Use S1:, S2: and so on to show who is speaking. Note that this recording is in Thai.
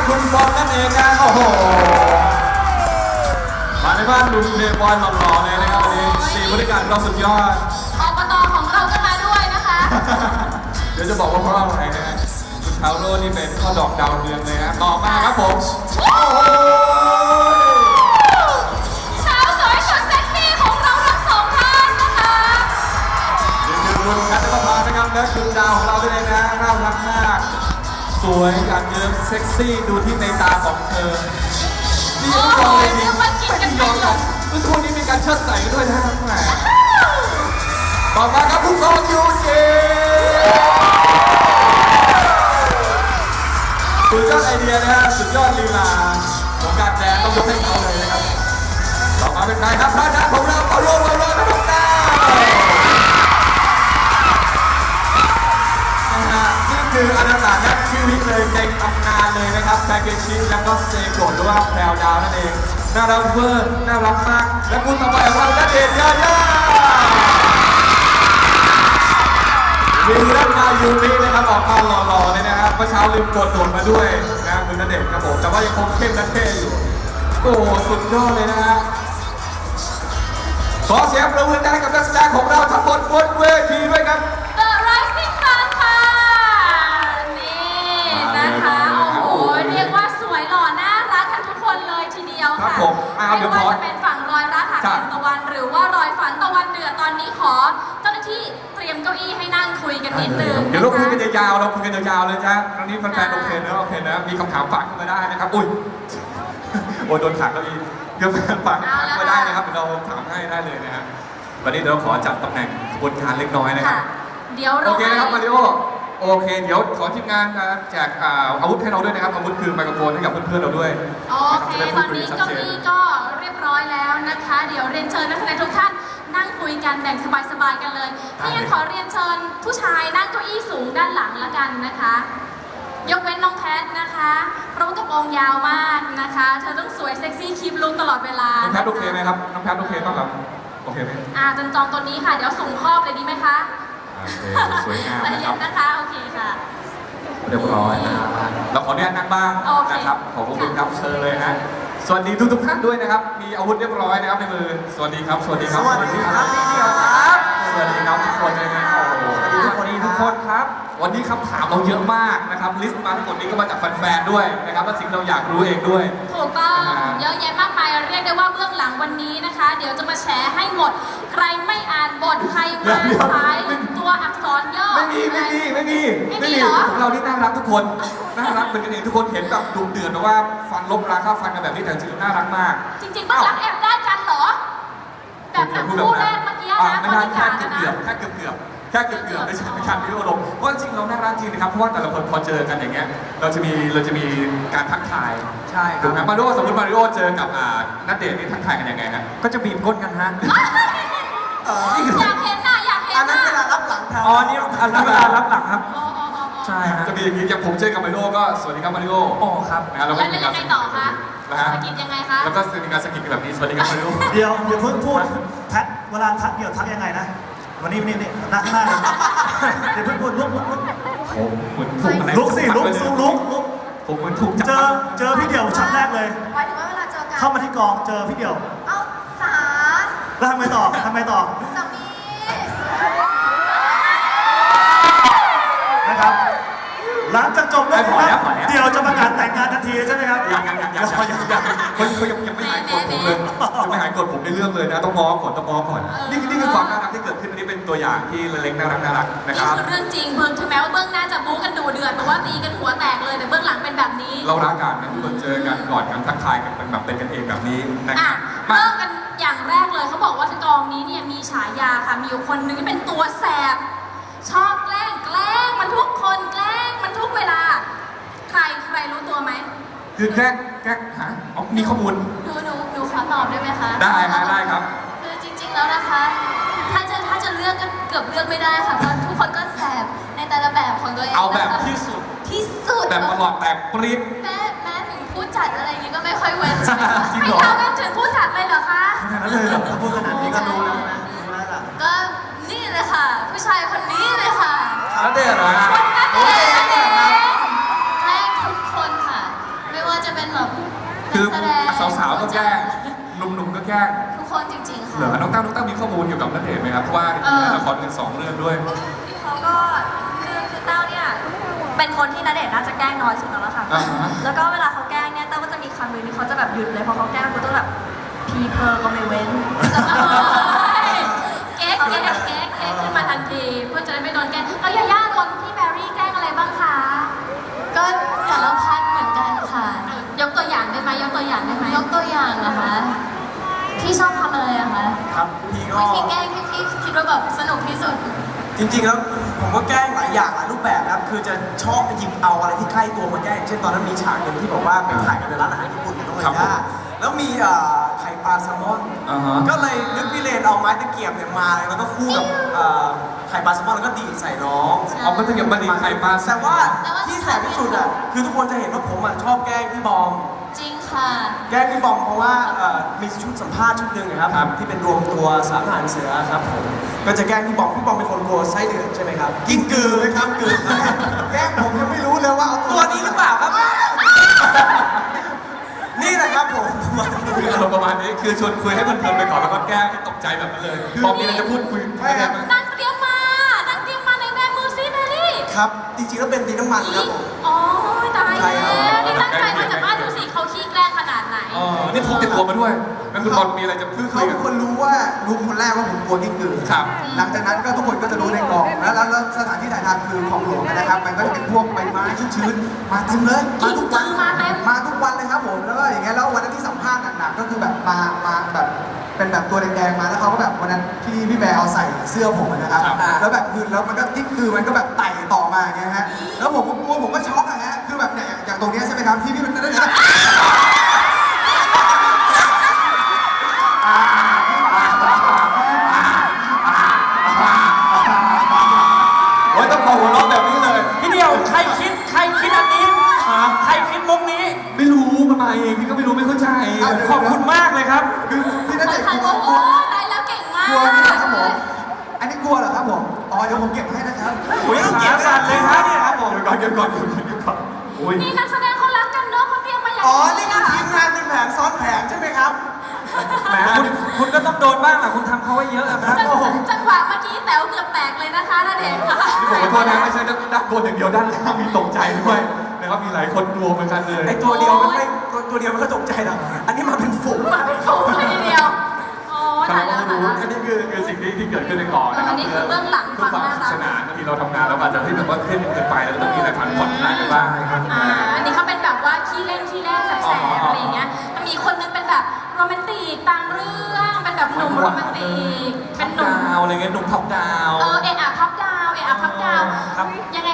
S1: คุณบอลนั่นเองนะโอ้โหมาในบ้านลุงเพย์บอลหล่อๆเลยนะครับวันนี้4บริการเราสุดยอด
S2: อบตของเราก็มาด้วยนะคะ
S1: เดี๋ยวจะบอกว่าเพราะอะไรนะฮะคุณชาวโรนี่เป็นข้อดอกดาวเรืองเลยนะต่อมาครับผมโอ้โห
S2: สาวสวยสุดเซ็กซี่ของเราทั้งสองท่านนะคะ
S1: รุ่นกันก็พานะครับและคุณดาวของเราด้วยนะน่ารักมากสวยกันเยอะเซ็กซี่ดูที่ในตาของเธอนี่ยังไม่ยอมเลยนี่ไม่ยอมกันทุกคนนี้มีการเชิดใส่ด้วยนะแหมต่อมาครับผู้กองยูจีสุดยอดไอเดียนะฮะสุดยอดลีลาของการแดนต้องยกให้เขาเลยนะครับต่อมาเป็นใครครับท่านของเราเอาโลนะครับน้องดาวนี่คืออนาตานักชีวิตเลยในตำนานเลยนะครับแซเกชิแล้วก็เซโกะหรือว่าแพรวดาวนั่นเองน่ารักเวอร์น่ารักมากและคุณต่อไปของเราณเดชน์ยายามีเรื่องมายูมินะครับออกมาหล่อๆเลยนะครับเมื่อเช้าลืมกดโดดมาด้วยนะคุณณเดชน์ครับผมแต่ว่ายังคงเข้มและเท่อยู่โอ้สุดยอดเลยนะฮะขอเสียงปรบมือให้กับนักแสดงของเราทั้งหมดบนเวทีด้วยครับ
S2: The Rising Sun ค่ะนี่นะคะโอ้โหเรียกว่าสวยหล่อน่ารักกันทุกคนเลยทีเดียวค่ะไม่ว่าจะเป็นฝั่งรอยรักหาแสงตะวันหรือว่ารอยฝันตะวันเดือดตอนนี้ขอเจ้าหน้าที่เตรียมเก้าอี้ให้นั่งคุยกันนิดนึง
S1: เดี๋ยวเราคุยกันยาวๆเราคุยกันยาวๆเลยจ้ะครั้งนี้แฟนๆโอเคนะมีคำถามฝากขึ้นมาได้นะครับอุ้ยโอ้โดนขังเก้าอี้เดี๋ยวแฟนฝากถามมาได้นะครับเดี๋ยวเราถามให้ได้เลยนะฮะวันนี้เราขอจัดตำแหน่งกระบวนการเล็กน้อยนะครับ
S2: เดี๋ยว
S1: โอเคนะครับมาริโอโอเคเดี๋ยวขอทีมงานแจกอาวุธให้เราด้วยนะครับอาวุธคือไมโครโฟนให้กับเพื่อนๆเราด้วย
S2: โอเคตอนนี้เก้าอี้ก็เรียบร้อยแล้วนะคะเดี๋ยวเรียนเชิญนักแสดงทุกท่านนั่งคุยกันแบ่งสบายๆกันเลยถ้างั้นขอเรียนเชิญผู้ชายนั่งเก้าอี้สูงด้านหลังละกันนะคะยกเว้นน้องแพทนะคะเพราะว่ากระโปรงยาวมากนะคะเธอต้องสวยเซ็กซี่คีปลุคตลอดเวลา
S1: น้องแพทโอเคไหมครับน้องแพทโอเคป่ะครับโอเคไหม
S2: จันจองตัวนี้ค่ะเดี๋ยวส่งครอบเลยดีไหมคะ
S1: สวยงาม
S2: นะครับนะคะโอเคค่ะ
S1: เรียบร้อยนะครับเราขออนุญาตนั่งบ้างนะครับขอบคุณครับเชิญเลยนะสวัสดีทุกท่านด้วยนะครับมีอาวุธเรียบร้อยนะครับในมือสวัสดีครับสวัสดีครับ
S3: สวัสดีครับพี่เดียวครับ
S1: สวัสดีครับทุกคนเลยนะ
S3: ทุกคนครับ
S1: วันนี้คำถามเราเยอะมากนะครับลิสต์มาทั้งหมดนี้ก็มาจากแฟนๆด้วยนะครับและสิ่งเราอยากรู้เองด้วย
S2: ถูกต้องเยอะแยะมากมายเรียกได้ว่าเบื้องหลังวันนี้นะคะเดี๋ยวจะมาแชร์ให้หมดใครไม่อ่านบทใครมาสายตัวอักษรย่อ
S1: ไม่มีของเราที่น่ารักทุกคนน่ารักเป็นกันเองทุกคนเห็นแบบดุเดือดแต่ว่าฟันลบราค่าฟันกันแบบนี้แต่จริงๆน่ารักมาก
S2: จริงๆต้องรักแอบได้กันเหรอแบบคู่แรกเมื่อกี้นะ
S1: ไม่ใช่แค่เกือบไม่ใช่ไม่ใช่พี่โอรมเพราะจริงเราน่ารักจริงนะครับเพราะว่าแต่ละคนพอเจอกันอย่างเงี้ยเราจะมีการทักทาย
S3: ใช่
S1: ถูกไหมมาริโอสมมติมาริโอเจอกับณเดชน์นี่ทักทายกันยังไงฮะ
S3: ก็จะบีบก้นกันฮะ
S2: อยากเห็นหน้า
S3: อันนั้นเวลารับหลังครับอ๋อนี่อันนั้นเวลารับหลังครับใช่ฮะ
S1: จะมีอย่างนี้อย่างผมเจอกับมาริโอก็สวัสดีครับมาริโอ
S3: โอ้ครับ
S2: แล้วยังไงต่อคะสกิดยังไงคะ
S1: แล้วก็มีการสกิดแบบนี้สวัสดีครับมาริโอ
S3: เดี๋ยวอย่าเพิ่งพูดทักเวลาทักเดี๋ยวทักยังไงนะวันนี้นั่งหน้าเดี๋ยวเพิ่งพูดลุกลุกสิลุก
S1: ผมเหมือนถูก
S3: เจอพี่เดี่ยวชั้นแรกเลย
S2: หมายถึงว่าเวลาเจอกัน
S3: เข้ามาที่กองเจอพี่เดี่ยว
S2: เอาสา
S3: แล้วทำไมต่อสามีนะครับหลังจากจบเรื่องนี้เดี๋ยวจะประกาศแต่งงานทันทีใช่ไหมครับ
S1: ยังเขายังไม่หายกดผมเลยยังไม่หายกดผมในเรื่องเลยนะต้องง้อก่อนนี่คือความน่ารักที่เกิดขึ้นอันนี้เป็นตัวอย่างที่เล็กๆน่ารักนะครับ
S2: นี่คือเรื่องจริงถึงแม้ว่าเบื้องหน้าจะบู๊กันดูเดือดแต่ว่าตีกันหัวแตกเลยแต่เบื้องหลังเป็นแบบนี้
S1: เรารักกันนะทุกคนเจอกันก่อนกันทักทายกันเป็นแบบเป็นกันเองแบบนี้
S2: นะครับเริ่มกันอย่างแรกเลยเขาบอกว่ากองนี้เนี่ยมีฉายาค่ะมีอยู่คนนึงที่เป็นตัวแสบชอบแกล้งมันทุกคนแกล้งมันทุกเวลาใครรู้ตัวไหม
S1: คือแกล้งหามีข้อมูล
S2: หนูขอตอบได้ไหมคะ
S1: ได้ครับ
S2: คือจริงๆแล้วนะคะถ้าจะเลือกก็เกือบเลือกไม่ได้ค่ะเพราะทุกคนก็แสบในแต่ละแบบของตัวเอง
S1: เอาแบบที่สุดแบบตลอดแตกปริ๊ด
S2: แม้ถึงผู้จัดอะไรอย่างนี้ก็ไม่ค่อยเว้นใช่ไหมคะไม่ท้าเว้นถึงผู้จัดเลยเหรอคะ
S3: ขนาดนั้นเลยเหรอถ้าพูดขนาดนี้ก็รู้แล้วนะ
S2: ก็นี่เลยค่ะผู้ชายคนนี้เลยค่ะ
S1: แล้วเด็กเหรอ
S2: คนนั้นเองแกล้งทุกคนค่ะไม่
S1: คือ
S2: นักแสดง
S1: สาวๆก็แกล้งหนุ่มๆก็แกล้ง
S2: ทุกคนจริงๆค่ะ
S1: เหรอน้องตั้งมีข้อมูลเกี่ยวกับณเดชน์ไหมครับเพราะว่าเห็นมีละครกัน2 เรื่องด้วย
S4: เขาก็คือเต้าเนี่ยเป็นคนที่ณเดชน์น่าจะแกล้งน้อยสุดแล้วค่ะ
S1: อ่าฮะ
S4: แล้วก็เวลาเขาแกล้งเนี่ยเต้าก็จะมีคำหนึงที่เขาจะแบบหยุดเลยพอเขาแกล้งเขาจะแบบพีเพอร์ก็ไม่เว้น
S2: เก๊กขึ้นมาทันทีเพื่อจะได้ไม่โดนแกล้งแล้วยาย่าโดนพี่แบรี่แกล้งอะไรบ้างคะ
S5: ก็สารพัดเหมือนกันค่ะ
S2: ยกตัวอย่างได้ไหมยกตัวอย่างได้ไหม
S5: ยกตัวอย่างนะคะ พี่ชอบทำอะไรอะคะ
S6: ครับพี่ก็
S5: วิธีแกล้งที่พี่คิดว่าแบบสนุกที่สุด
S6: จริงๆแล้วผมก็แกล้งหลายอย่างหลายรูปแบบนะครับคือจะชอบไปหยิบเอาอะไรที่ใกล้ตัวมาแกล้งเช่นตอนนั้นมีฉากหนึ่งที่บอกว่าไปถ่ายกันในร้านอาหารญี่ปุ่นกับน้อง
S1: ครับ
S6: เอ๋ย่าแล้วมีไข่ปลาแซลมอน
S1: อ่าฮะ
S6: ก็เลยนึกพี่เลนเอาไม้ตะเกียบเนี่ยมาแล้วก็คู่กับไข่ปลาแซลมอนแล้วก็ดีดใส่น้อง
S1: เอาก็จะเกี่ยวกับไข่ปลา
S6: แต่ว่าที่แสบที่สุดอ่ะคือทุกคนจะเห็นว่าผมอ่ะชอบแกล้งพี่บอม
S5: จริงค่ะ
S6: แกล้งพี่บอมเพราะว่ามีชุดสัมภาษณ์ชุดหนึ่งนะครับ
S1: ครับ
S6: ที่เป็นรวมตัวสามทหารเสือครับผมก็จะแกล้งพี่บอมเป็นคนกลัวไส้เดือนใช่ไหมครับกินกือไหมครับกือแกล้งผมยังไม่รู้เลยว่าเอาตัวนี้หรือเปล่าครับ นี่แหละครับผม
S1: คืออารมณ์ประมาณนี้คือชวนคุยให้เพลินๆไปก่อนแล้วก็แกล้งให้ตกใจแบบนั้นเลยพอมีอะไรจะพูดคุย
S6: ใช่ครับ
S2: นั่งเตรียมมาในแบมือซิแบรี่
S6: ครับจริงๆแล้วเป็นดินน้ำมันครับผม
S2: อ๋อตาย
S6: ใช่
S2: แล้
S6: ครับ
S2: วนี่ตั้งใจมาจากบ้านดูสิเขาขี้แกล้งขนาดไหน
S1: อ๋อนี่พกติดตัวมาด้วยแล้วคุณบอลมีอะไรจะพูดคุ
S6: เขา
S1: ย
S6: เป็
S1: กัน
S6: นคนรู้คนแรกว่าผมกลัวกิ้งกือ
S1: ครับ
S6: หลังจากนั้นก็ทุกคนก็จะรู้ในกองแล้วสถานที่ถ่ายทำคือของหลวงนะครับ มันก็จะเป็นพวกใบไม้ชื้นๆมาเต็มเลยมาทุกวัน
S2: มาเต็ม
S6: มาทุกวันเลยครับผมแล้วก็อย่างเงี้ยแล้ววันนั้นที่สัมภาษณ์หนักๆก็คือแบบมาแบบเป็นแบบตัวแดงๆมาแล้วเขาก็แบบวันนั้นที่พี่แบร์เอาใส่เสื้อผมนะครับ แล้วแบบคือแล้วมันก็ติ๊กคือมันก็แบบไต่ต่อมาอย่างเงี้ยฮะแล้วผมก็กลัวผมก็ช็อกอะฮะคือแบบเนี่ยอย่างตรงเนี้ยใช่ไหมครับที่พี่มันได้
S1: โอ้ยต้องขอหัวเราะแบบนี้เลย
S3: พี่เดียวใครคิดอันนี้ใครคิดมุกนี้
S1: ไม่รู้มันมาเองพี่ก็ไม่รู้ไม่เข้าใจ
S3: ขอบคุณมากเลยครับ
S6: คือพี่ณเดชน์
S2: ถ่าย
S6: กลัว
S2: โอ้โหตายแล้วเก่งมาก
S6: กลัวนี่นะครับผมอันนี้กลัวเหรอครับผมอ๋อเดี๋ยวผมเก็บให้นะครับ
S3: โอ้ยต้องเก็บสั่นเลยครับเนี่ยครับผม
S1: เก็บก่อนโอ้ย
S2: นี่นักแสดงเขารักกันเนาะเขาเตรียมมาอย่าง
S6: อ๋อนี่คือทีมงานเป็นแผนซ้อนแผนใช่ไหมครับ
S3: แหมคุณก็ต้องโดนบ้างแหละคุณทำเขาไว้เยอะอะครับ
S2: จังหวะเมื่อกี้แต๋วเกือบแตกเลยนะคะณเดชน์ค่ะ
S1: นี่ผมขอโทษนะไม่ใช่ด้านบนอย่างเดียวด้านล่างมีตกใจด้วยนะครับมีหลายคนกลัวเหมือนกันเลย
S6: ไอตัวเดียวไม่ค่อยตัวเดียวไม่ค่อยตกใจหรอกอันนี้มาเป็นฝูง
S2: มาเป็นฝูงเลยทีเดียวโอ้
S1: ใช่
S2: ตายแล้ว
S1: ก็
S2: ตาย
S1: รู้
S2: แล้ว
S1: อันนี้คือสิ่งที่เกิดขึ้นในกองนะครับ
S2: อันนี้คือเบื้องหลัง
S1: เพื่อความ
S2: ความน่ารัก
S1: สนุกสนานบางทีเราทำงานเราอาจจะที่แบบว่าเครียดเกินไปแล้วตรงนี้อะไรผ่อนคลายกันบ้างนะครับ
S2: อันนี้เขาเป็นแบบว่าขี้เล่นแสบๆอะไรอย่างเงี้ยมันมีคนนึงเป็นแบบโรแมนติกต่างเรื่องเป็นแบบหนุ่มโรแมนติกเป็นหนุ่ม
S1: ดาวอะไรเงี้ยหนุ่มท็อปดาว
S2: เอะอะพับดาว
S3: ครับ
S2: ยังไง